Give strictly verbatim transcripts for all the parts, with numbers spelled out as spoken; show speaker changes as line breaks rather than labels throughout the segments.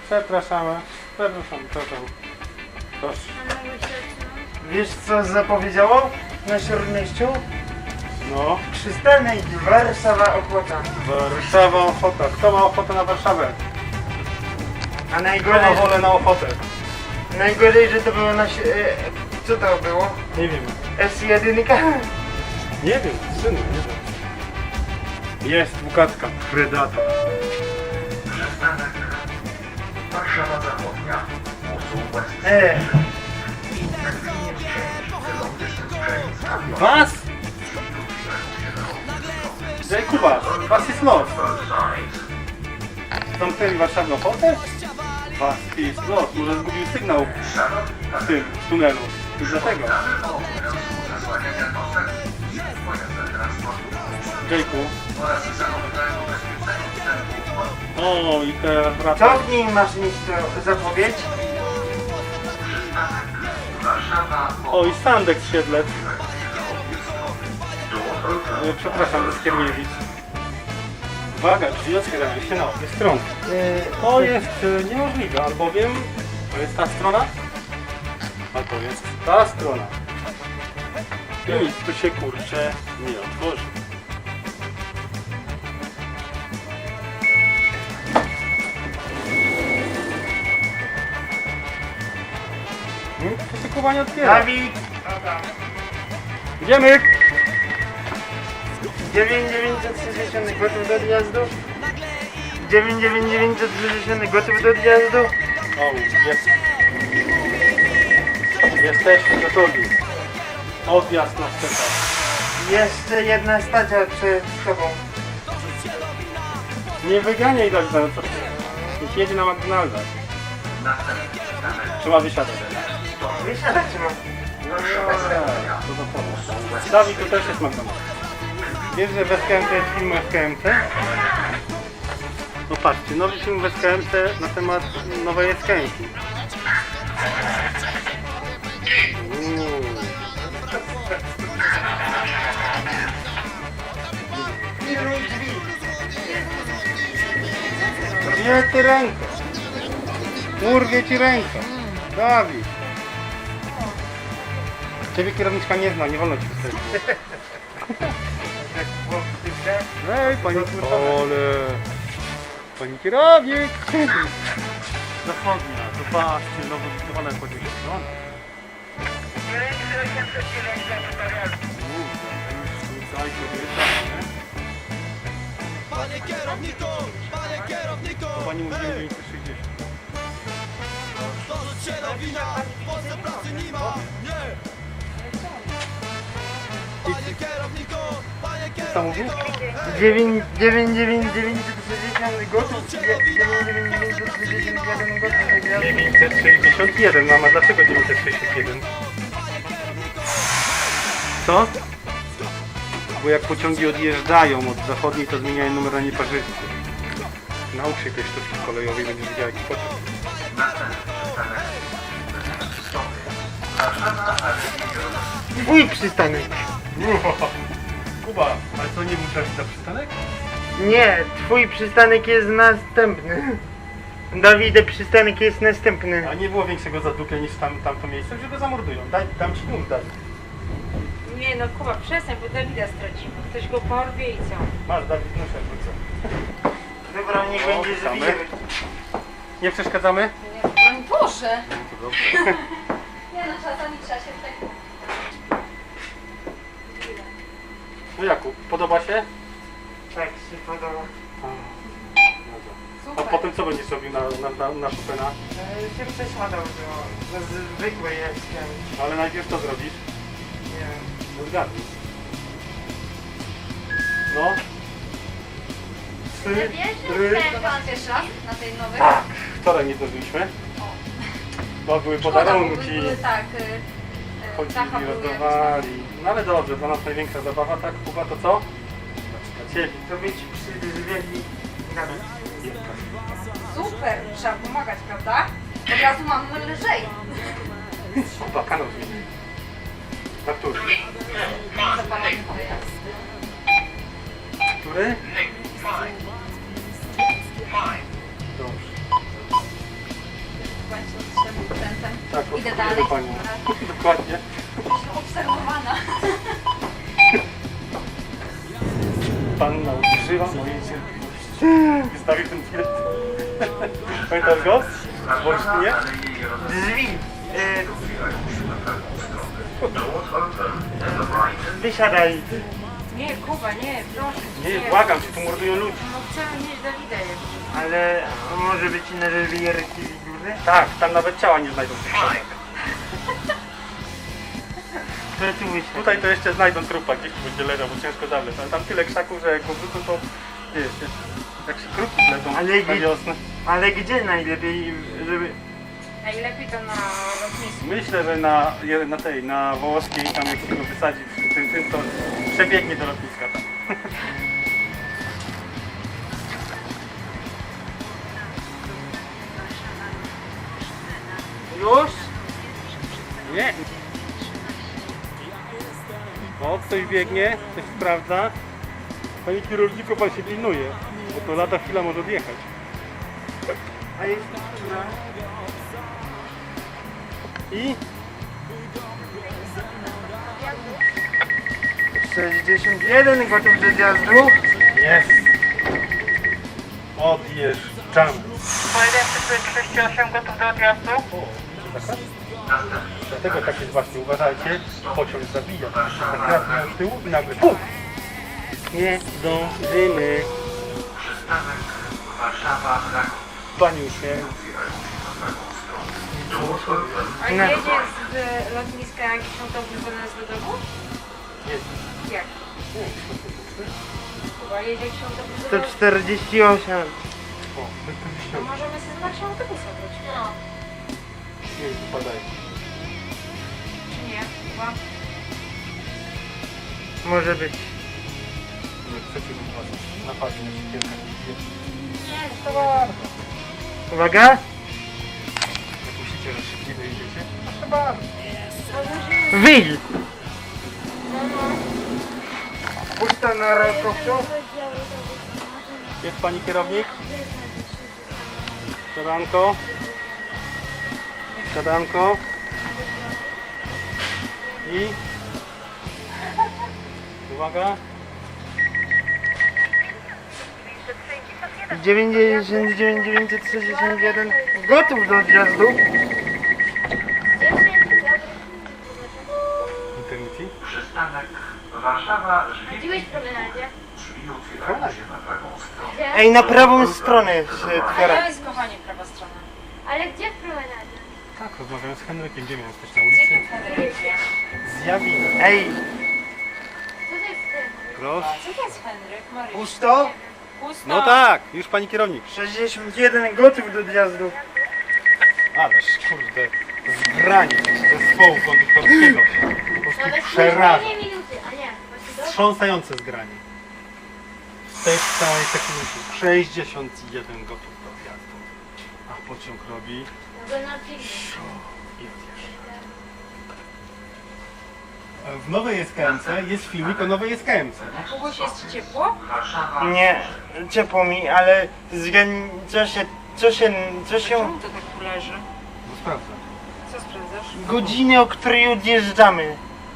Przepraszamy, przepraszam, przepraszam. Proszę.
Wiesz co zapowiedziało na śródmieściu?
No.
Przystanek Warszawa Ochota.
Warszawa Ochota. Kto ma ochotę na Warszawę?
A
Kto ma
najgorzej,
wolę na ochotę?
najgorzej, że to było na... si- E, co to było?
Nie wiem.
S jeden?
Nie wiem, synu, nie wiem. Jest Bukatka. Predator.
Przystanek Warszawa Zachodnia.
E,
Was? Ej, Kuba, was jest los. Zamknęli Warszawę Ochotę? Was jest los. Może zgubił sygnał w tym w tunelu. I dlatego. Jejku. O, i teraz
co
wraca.
w niej masz mieć to zapowiedź?
O, i Sandek Siedlec. E, Przepraszam, ze Skierniewic. Uwaga, drzwi otwierają się na obie strony.
E,
To jest e, niemożliwe, albowiem to jest ta strona, a to jest ta strona. I nic tu się kurczę nie otworzy. Hmm, Poszykowanie otwiera.
Dawid!
Idziemy!
dziewięć dziewięćset sześćdziesiąt gotów do odjazdu? dziewięć dziewięć dziewięćset sześćdziesiąt gotów do odjazdu?
O, jest. Jesteśmy gotowi. Odjazd na czeka.
Jeszcze jedna stacja przed tobą.
Nie wyganiaj Dawida, no co ty? Niech jedzie na McDonalda. Trzeba wysiadać.
Wysiadać mam.
No, to do pomocy. Dawid, to też jest McDonald's. Wiesz, że w S K M C jest film S K M C? No patrzcie, nowy film w S K M C na temat nowej S K M C. Uuu.
Pilnuj drzwi.
Gdzie ty rękę? Urwie ci rękę. Dawid. Ciebie kierowniczka nie zna, nie wolno ci wystawić.
Jak było w typie?
Ej, pani ale... Pani kierownik! Zachodnia, zobaczcie, nowo wybudowane podjeżdżone.
Panie kierowniku, panie kierowniku,
To pani mówi dziewięćset sześćdziesiąt.
dorzuć się do wina, w Polsce pracy nie ma, nie! Panie kierowniku, panie
Co mówił?
dziewięć dziewięć dziewięć dziewięćset sześćdziesiąt gotów? dziewięć dziewięć dziewięćset sześćdziesiąt jeden gotów do odjazdu?
dziewięćset sześćdziesiąt jeden, mama, dlaczego dziewięćset sześćdziesiąt jeden? Co? Bo jak pociągi odjeżdżają od zachodniej, to zmieniają numer na nieparzysty. Naucz się tej sztuczki kolejowej, będziesz widział jaki pociąg.
Twój przystanek.
Kuba, ale co, nie był trafić za przystanek?
Nie, twój przystanek jest następny. Dawide, przystanek jest następny.
A nie było większego zadupia niż tam, tamto miejsce, że go zamordują. Daj, dam ci punkt, daj.
Nie no Kuba, przestań, bo Dawida stracimy. Ktoś go porwie i co?
Masz, Dawid, muszę wrócę.
Dobra, niech
O,
będzie
witamy.
zabijemy.
Nie przeszkadzamy?
Broń Boże!
To dobrze.
Nie no, czasami trzeba się tak...
No Jakub, podoba się?
Tak się podoba.
A potem co będziesz robił na, na, na, na Chopina?
E, się przesiadał do, do zwykłej jestem.
Ale najpierw co zrobisz?
Nie wiem.
No zgadnij. No. Trzy, trzy.
Pan pierwszy raz na tej nowej?
Tak, wczoraj nie zdążyliśmy. Bo były podarunki.
Były tak, y, y,
Chodzili,
Zacha był jakiś
rozdawali. No ale dobrze, dla nas największa zabawa, tak? Kuba, to co? Dla ciebie.
To być przydrzwieli.
tam. Super, trzeba pomagać, prawda? Od razu mamy lżej.
Kuba, kanał zmieni. Na który?
Zapalamy wyjazd.
Który? Dobrze.
bądź tym producentem.
Tak,
Idę
obsługuję
dalej.
panią. Dokładnie.
Jestem obserwowana.
Panna używa mojej cierpliwości. Wystawił ten bilet. Pamiętasz go? W Wolsztynie?
Drzwi. Y, wysiadaj.
Nie, Kuba, nie, proszę.
Nie, błagam cię, tu mordują ludzi.
No chcemy mieć Dawida jeszcze.
Ale może być inne rewierki duże?
Tak, tam nawet ciała nie znajdą.
To tu wysiadaj.
Tutaj to jeszcze znajdą trupa, gdzieś tu będzie leżał, bo ciężko zabrać. Ale tam tyle krzaków, że jak go wrzucą, to wiesz, jak się kruki zlecą
Ale
na
gdzie-
wiosnę.
Ale gdzie najlepiej, żeby...
Najlepiej to na lotnisku.
Myślę, że na, je- na tej, na Wołoskiej, tam jak się go wysadzi w tym, tym, to przebiegnie do lotniska tam.
Już?
Nie. O, ktoś biegnie, ktoś sprawdza. Panie kierowniku, pan się pilnuje, bo to lada chwila może odjechać.
A jest która?
I
sześćdziesiąt jeden gotów do zjazdu.
jest. Odjeżdżamy.
trzydzieści osiem gotów do odjazdu.
Dlatego tak jest właśnie, uważajcie, pociąg zabija. Tak raz miał z tyłu i nagle puf! Nie zdążymy.
Przystanek Warszawa-Kraków.
Paniusie.
A
No.
jedzie z lotniska jakiś autobus do nas do domu?
Jest.
Jak? Kuba, jedzie jakiś autobus do
sto
domu?
czterdzieści osiem.
O,
To możemy sobie z naszego autobusu wrócić. No.
nie wypadają.
Czy nie? Kuba?
Może być.
Nie chcecie wypaść. Napadnie na siekierkę.
Nie, to bardzo.
Uwaga.
Jak myślicie, że szybciej dojedziecie? Proszę bardzo.
Wyjdź. Pusta na rękowcu.
Jest pani kierownik? Siadanko. Siadanko. I... Uwaga.
dziewięćdziesiąt dziewięć dziewięćset sześćdziesiąt jeden gotów do odjazdu.
Internety.
Przystanek Warszawa-Żwir.
Chodziłeś w promenadzie?
Drzwi otwierają się na prawą stronę.
Ej, na prawą stronę się
A
otwiera.
to jest, kochanie, prawa strona.
Ale gdzie w promenadzie?
Tak, rozmawiamy z Henrykiem. Gdzie miałem jesteś na
Gdzie
ulicy?
ty Henryk?
Zjawimy.
Ej,
Co to jest ten?
Proszę.
Co to jest Henryk? Maryś?
pusto.
Pusto.
No tak, już pani kierownik.
sześćdziesiąt jeden gotów do odjazdu.
Ależ kurde, zgranie zespołu konduktorskiego. Po prostu
Nawet
przeraża.
później minuty, a nie. Właśnie do...
Wstrząsające zgranie. W tej całej sekundzie. sześćdziesiąt jeden gotów do odjazdu. A pociąg robi
Mogę na filmie.
i odjeżdża. W nowej S K M C jest filmik o nowej S K M C.
Kubuś, jest ci ciepło?
Warszawa.
Nie, ciepło mi, ale zgan... co się, co się, co się...
Czemu to tak tu leży?
No sprawdzę.
Co sprawdzasz?
Godziny, o której odjeżdżamy.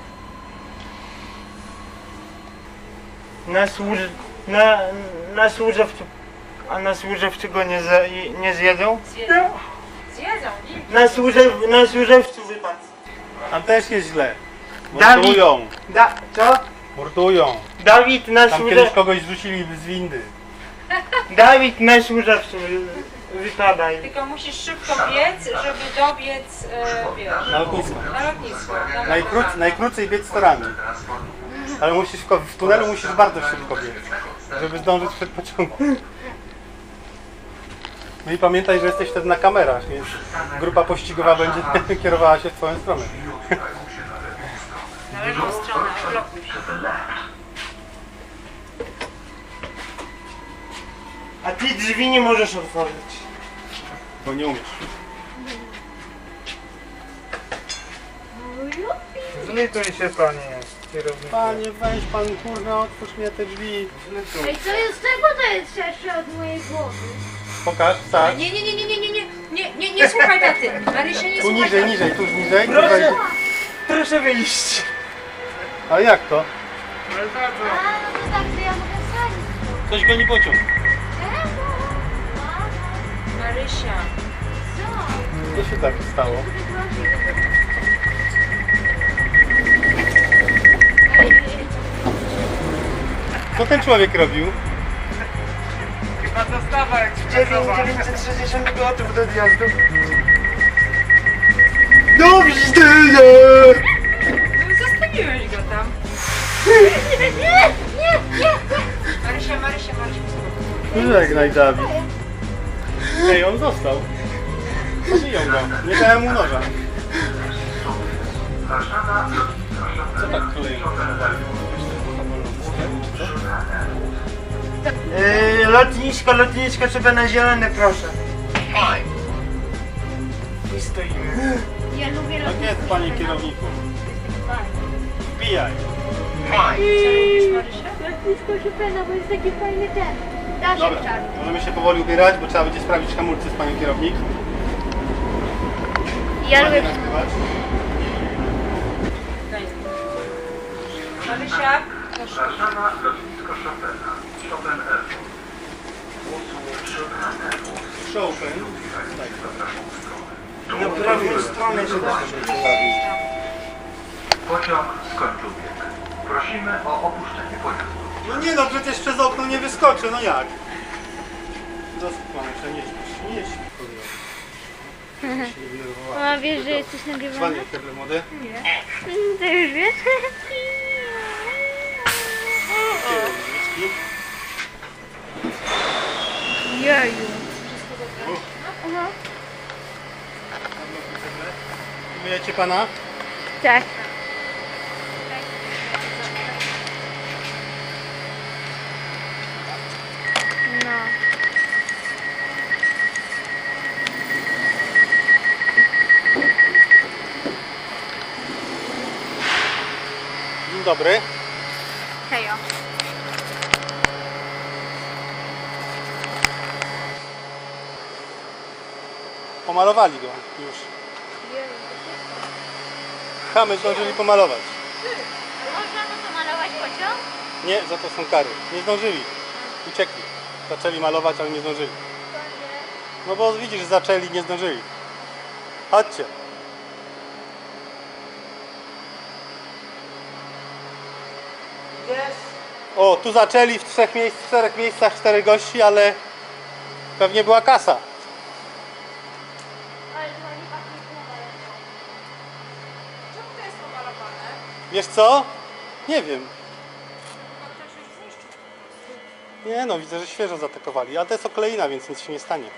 Na służ... na... na służewcu... A na służewcu go nie, za... nie zjedzą?
Zjedzą. Zjedzą, nie?
Na, służew... na służewcu wypadł.
Tam też jest źle.
Dawid.
Mordują.
Da... co?
Mordują.
Dawid na
Tam kiedyś
służewcu...
kogoś zrzucili z windy.
Dawid na służewcu wy- wypadaj.
Tylko musisz szybko biec, żeby dobiec, e, wiesz,
Na lotnisko.
na lotnisko. Na
Najkróc, najkrócej biec torami. Ale musisz w, w tunelu musisz bardzo szybko biec, żeby zdążyć przed pociągiem. No i pamiętaj, że jesteś wtedy na kamerach, więc grupa pościgowa będzie kierowała się w twoją stronę.
Na lewą stronę, blokuj się.
A ty drzwi nie możesz otworzyć.
Bo nie umiesz.
Zlituj się, panie kierowniku.
Panie, weź pan, kurwa, otwórz mnie te drzwi.
Ej, co jest, czego to jest szersze od mojej głowy?
Pokaż, tak.
Nie, nie, nie, nie, nie, nie, nie, Nie, nie, nie słuchaj taty. Marysia, nie
Tu
słuchaj
niżej,
taty.
niżej, tu niżej. Tu
Proszę,
wejdzie.
proszę wyjść.
A jak to?
A, no to tak, to ja mogę wsadzić.
Coś go nie pociąg.
Marysia.
Co?
Co się tak stało? Co ten człowiek robił?
Chyba dostawa dziewięćset sześćdziesiąt gotów do odjazdu. Do widzenia!
No zostawiłeś go tam.
Nie, nie, nie, nie.
Marysia, Marysia, Marysia.
Żegnaj, Dawid. Ej, on został. Zabiją go. Nie dałem mu noża.
Warszawa,
Co tak kolejno?
Yy, lotnisko, lotnisko, trzeba na zielone, proszę. I stoimy.
Ja lubię
Tak jest, panie kierowniku. Wbijaj.
Co robisz, Marysia?
Lotnisko Chopina, bo jest taki fajny ten. Daszek
Dobra,
czarny.
możemy się powoli ubierać, bo trzeba będzie sprawdzić hamulce z panią kierownik.
Ja
Ładnie
lubię...
nagrywać.
Daj. Marysia, proszę.
Warszawa, lotnisko Chopina. Chopin Airport. Usług Chopin Airport.
Chopin.
Na prawą stronę.
Na prawą stronę się da.
Pociąg skończył bieg. Prosimy o opuszczenie pojazdu.
No nie no, przecież przez okno nie wyskoczę, no jak? Doskonale, nie śpisz, nie śpisz, kurwa. Się nie denerwowała.
A wiesz, że jesteś nagrywany?
Dzwonię, kiedy młody.
To już wiesz?
Kierowniczki.
Jeju. Aha.
Myjecie pana?
Tak. No.
Dzień dobry.
Hejo.
Pomalowali go już. Chamy zdążyli pomalować.
Można to pomalować pociąg?
Nie, za to są kary. Nie zdążyli. Uciekli. Zaczęli malować, ale nie zdążyli. No bo widzisz, zaczęli, nie zdążyli. Chodźcie.
Jest.
O, tu zaczęli w trzech miejsc, w czterech miejscach, czterech gości, ale pewnie była kasa.
Ale to nie pachnie pomalowane.
Czemu to jest pomalowane?
Wiesz co? Nie wiem.
Chyba ktoś już zniszczył.
Nie no, widzę, że świeżo zaatakowali, ale to jest okleina, więc nic się nie stanie.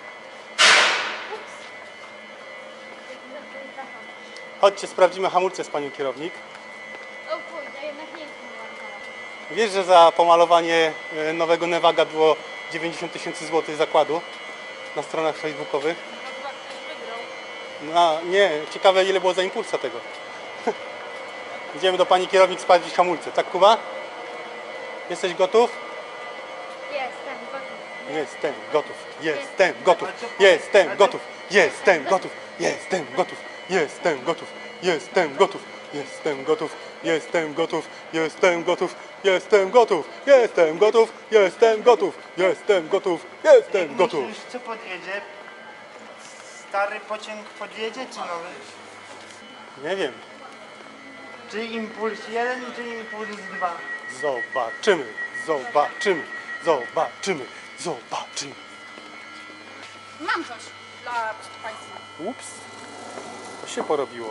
Chodźcie, sprawdzimy hamulce z panią kierownik.
O kurde, jednak nie jest pomalowane.
Wiesz, że za pomalowanie e, nowego Nevaga było dziewięćdziesiąt tysięcy złotych zakładu na stronach facebookowych?
No chyba ktoś wygrał.
No nie, ciekawe ile było za impulsa tego. Idziemy do pani kierownik sprawdzić hamulce, tak Kuba? Jesteś gotów?
Jestem gotów.
Jestem gotów, jestem gotów, jestem gotów, jestem gotów, jestem gotów, jestem gotów, jestem gotów, jestem gotów, jestem gotów, jestem gotów, jestem gotów, jestem gotów, jestem gotów, jestem gotów, jestem gotów.
Myślisz, co podjedzie? Stary pociąg podjedzie, czy nowy?
Nie wiem,
Czy impuls jeden, czy impuls dwa?
zobaczymy, zobaczymy, zobaczymy, zobaczymy.
Mam coś dla Państwa.
Ups, to się porobiło.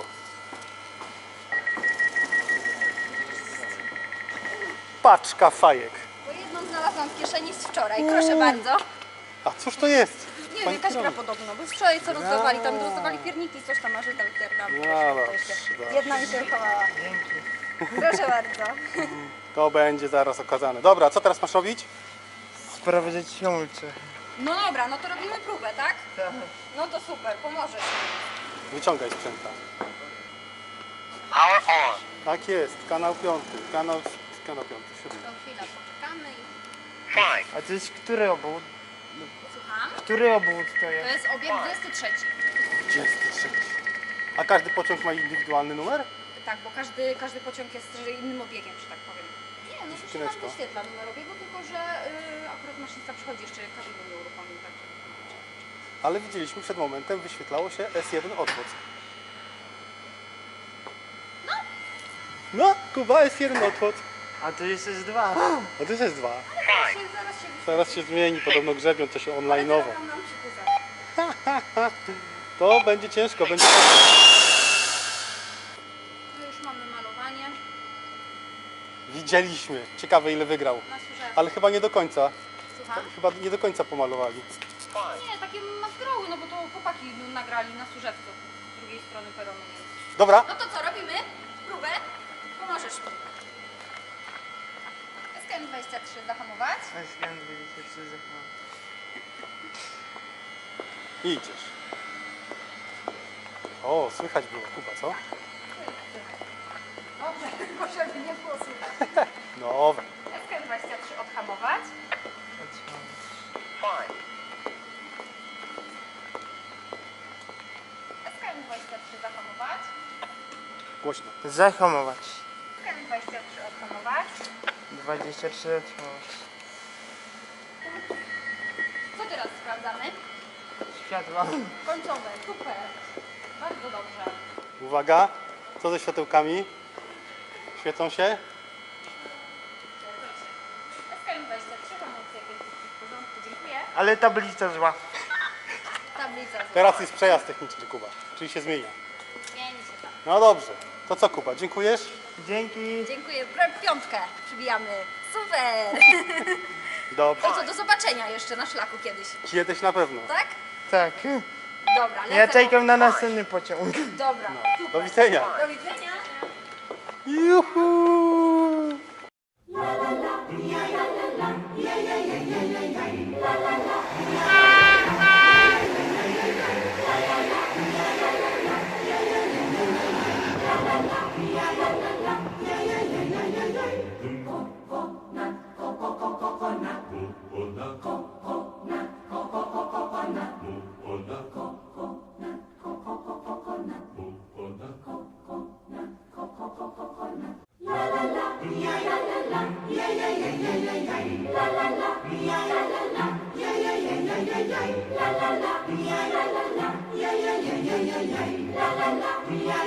Paczka fajek.
Bo jedną znalazłam w kieszeni z wczoraj, proszę bardzo.
A cóż to jest?
Nie wiem,
Pani
jakaś gra
kierownik.
podobno, bo wczoraj co rozdawali, tam rozdawali pierniki, coś tam, marzyta literna.
No dobrze, dobrze.
Jedna mi się uchowała. Proszę bardzo.
To będzie zaraz okazane. Dobra, co teraz masz robić?
Sprawdzać hamulce.
No dobra, no to robimy próbę, tak?
Tak.
No to super, pomożesz.
Wyciągaj sprzęta. Tak jest, kanał piąty, kanał, kanał piąty, siódmy.
To chwila, poczekamy i...
A to jest który obóz?
Słucham?
Który obwód to
To
jest?
jest obieg dwudziesty trzeci.
dwudziesty trzeci. A każdy pociąg ma indywidualny numer?
Tak, bo każdy, każdy pociąg jest innym obiegiem, że tak powiem. Nie, no to się
Skrzyneczko.
nam wyświetla numer obiegu, tylko że y, akurat maszynista przychodzi jeszcze kabiny nie uruchomił, także.
Ale widzieliśmy przed momentem, wyświetlało się S jeden odwód. No! No, Kuba, S jeden odwód.
A to jest S dwa.
A to jest S dwa.
Zaraz się, zaraz się wyświetli.
Zaraz się zmieni, podobno grzebią to się
Ale
online'owo.
teraz nam przykuza.
To będzie ciężko, będzie...
Tu już mamy malowanie
Widzieliśmy. Ciekawe ile wygrał.
na służebce.
Ale chyba nie do końca.
Słucham?
Chyba nie do końca pomalowali.
Nie, takie maskeroły, no bo to chłopaki no, nagrali na służebcu z drugiej strony peronu. Więc.
Dobra,
No to co, robimy? Próbę? Pomożesz mi. S K M dwadzieścia trzy zahamować.
S K M dwadzieścia trzy zachował.
i idziesz. O, słychać było Kuba, co?
Dobrze, tylko żeby nie było słychać.
Dobra.
S K M dwadzieścia trzy odhamować. S K M dwadzieścia trzy zahamować.
Głośno.
Zahamować.
S K M dwadzieścia trzy odhamować.
dwadzieścia trzy zahamować.
Co teraz sprawdzamy?
Światła.
Końcowe, super. Bardzo dobrze.
Uwaga, co ze światełkami? Świecą się?
S K M dwadzieścia trzy, hamulce jakieś w porządku, dziękuję.
Ale tablica zła.
Tablica zła.
Teraz jest przejazd techniczny, Kuba, czyli się zmienia.
Zmieni się tam.
No dobrze. To co, Kuba, dziękujesz?
Dzięki.
Dziękuję. Pra- Piątkę przybijamy. Super.
Dobrze.
To co, do zobaczenia jeszcze na szlaku kiedyś.
Kiedyś na pewno.
Tak?
Tak.
Dobra, lecę.
Ja czekam na następny pociąg.
Dobra,
Do
super.
widzenia.
Do widzenia.
Juhu!
Yeah.